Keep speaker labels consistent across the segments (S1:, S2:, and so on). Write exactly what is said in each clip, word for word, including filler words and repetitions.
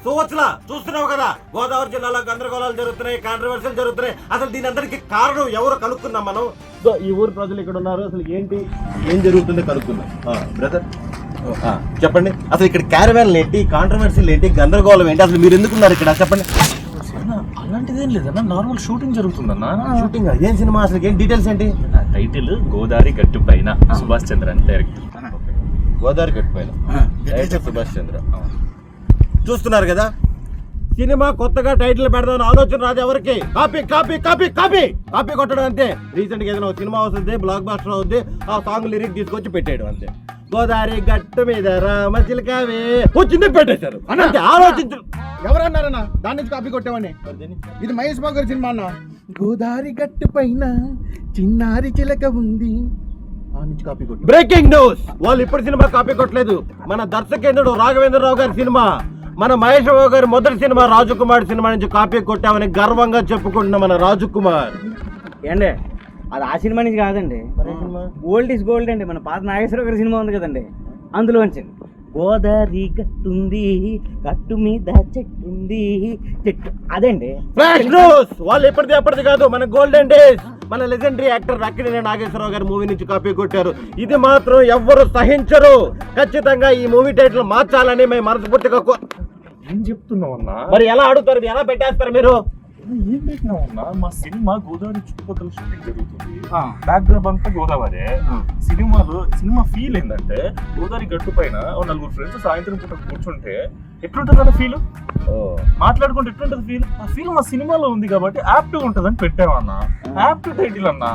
S1: సువత్సలా చూస్తున్నావు కదా, గోదావరి జిల్లాలో గందరగోళాలు జరుగుతున్నాయి, కాంట్రవర్సీలు జరుగుతున్నాయి. అసలు దీని అందరికి కారణం ఎవరు కనుక్కున్నాం మనం. సో ఈ ఊరు ప్రజలు ఇక్కడ ఉన్నారు, అసలు ఏంటి ఏం జరుగుతుందో కనుక్కుందాం. బ్రదర్ చెప్పండి, అసలు ఇక్కడ క్యారవాన్లు ఏంటి, కాంట్రవర్సీలు ఏంటి, గందరగోళం ఏంటి, అసలు మీరు ఎందుకున్నారు ఇక్కడ చెప్పండి.
S2: అలాంటిదేం లేదన్నా, నార్మల్ షూటింగ్ జరుగుతుందన్నా.
S1: షూటింగ్ ఏం సినిమా, అసలు ఏం డీటెయిల్స్ ఏంటి?
S2: టైటిల్ గోదావరి గట్టు పైన, సుభాష్ చంద్ర అని డైరెక్ట్.
S1: గోదావరి గట్టు పైన డైరెక్టర్ సుభాష్ చంద్ర. చూస్తున్నారు కదా, సినిమా కొత్తగా టైటిల్ పెడదామని ఆలోచన రాదు ఎవరికి. Copy copy copy copy copy కొట్టడం అంతే. రీసెంట్ గా ఏదైనా సినిమా వస్తుంది, బ్లాక్ బాస్టర్ అవుద్ది, ఆ సాంగ్ లిరిక్ తీసుకొచ్చి పెట్టేయడం అంతే. గోదావరి గట్టు మీద రామ చిలకావే వచ్చింది పెట్టేశారు అంటే ఆలోచించు.
S3: ఎవరన్నారన్నా దాని నుంచి కాపీ కొట్టామని? ఇది మహేష్ బాబు గారి సినిమా అన్న. గోదావరి గట్టు పైన చిన్నారి చిలక ఉంది, ఆ నుంచి కాపీ కొట్టి.
S1: బ్రేకింగ్ న్యూస్, వాళ్ళు ఇప్పుడు సినిమా కాపీ కొట్టలేదు. మన దర్శకేంద్రుడు రాఘవేంద్రరావు గారి సినిమా, మన మహేష్ బాబు గారి మొదటి సినిమా రాజకుమార్ సినిమా నుంచి కాపీ కొట్టామని గర్వంగా చెప్పుకుంటున్న మన రాజకుమార్.
S4: ఏండి అది ఆ సినిమా నుంచి కాదండి, ఓల్డ్ ఈస్ గోల్డ్ అండి. మన పాత నాగేశ్వరరావు గారి సినిమా ఉంది కదండి, అందులో వచ్చింది. గోదావరి గట్టుంది, గట్టు మీద చెట్టుంది, చెట్టు అదండి.
S1: ఫ్లాష్ న్యూస్, వాళ్ళు ఎప్పటిది ఎప్పటిది కాదు, మన గోల్డెన్ డేస్, మన లెజెండరీ యాక్టర్ అక్కినేని నాగేశ్వరరావు గారి మూవీ నుంచి కాపీ కొట్టారు. ఇది మాత్రం ఎవ్వరు సహించరు. ఖచ్చితంగా ఈ మూవీ టైటిల్ మార్చాలని మేము మనస్ఫూర్తిగా.
S2: ఏం చెప్తున్నావు అన్నా?
S1: మరి ఎలా అడుగుతారు, ఎలా పెట్టేస్తారు మీరు?
S2: ఏం పెట్టినావు అన్నా? మా సినిమా గోదావరి చుట్టుపక్కల షూటింగ్ జరుగుతుంది, బ్యాక్ డ్రాప్ అంతా గోదావరి. సినిమాలో సినిమా ఫీల్ ఏంటంటే గోదావరి గట్టు పైన నలుగురు ఫ్రెండ్స్ సాయంత్రం పూట కూర్చుంటే ఎట్లుంటది అన్న ఫీల్, మాట్లాడుకుంటే ఎట్లుంటది ఫీల్. ఆ ఫీల్ మా సినిమాలో ఉంది కాబట్టి యాప్ట్ గా ఉంటది అని పెట్టామన్నా. యాప్ట్ టైటిల్ అన్నా,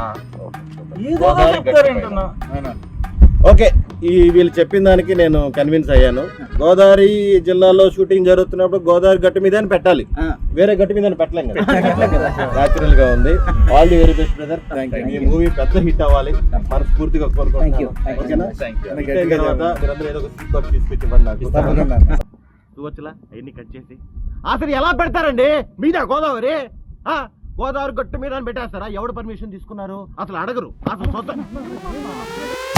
S2: ఏదో చెప్తారేంటన్నా.
S1: ఓకే, ఈ వీళ్ళు చెప్పిన దానికి నేను కన్విన్స్ అయ్యాను. గోదావరి జిల్లాలో షూటింగ్ జరుగుతున్నప్పుడు గోదావరి గట్టు మీద అని పెట్టాలి, వేరే గట్టు మీద పెట్టలేం కదా. న్యాచురల్ గా ఉంది. All the very best brother. ఈ మూవీ పెద్ద హిట్ అవ్వాలి మనస్ఫూర్తిగా కోరుకుంటున్నాను. అవన్నీ కట్ చేసి అసలు ఎలా పెడతారండి మీద గోదావరి? గోదావరి గట్టు మీద అని పెట్టేస్తారా? ఎవడు పర్మిషన్ తీసుకున్నారు? అసలు అడగరు అసలు.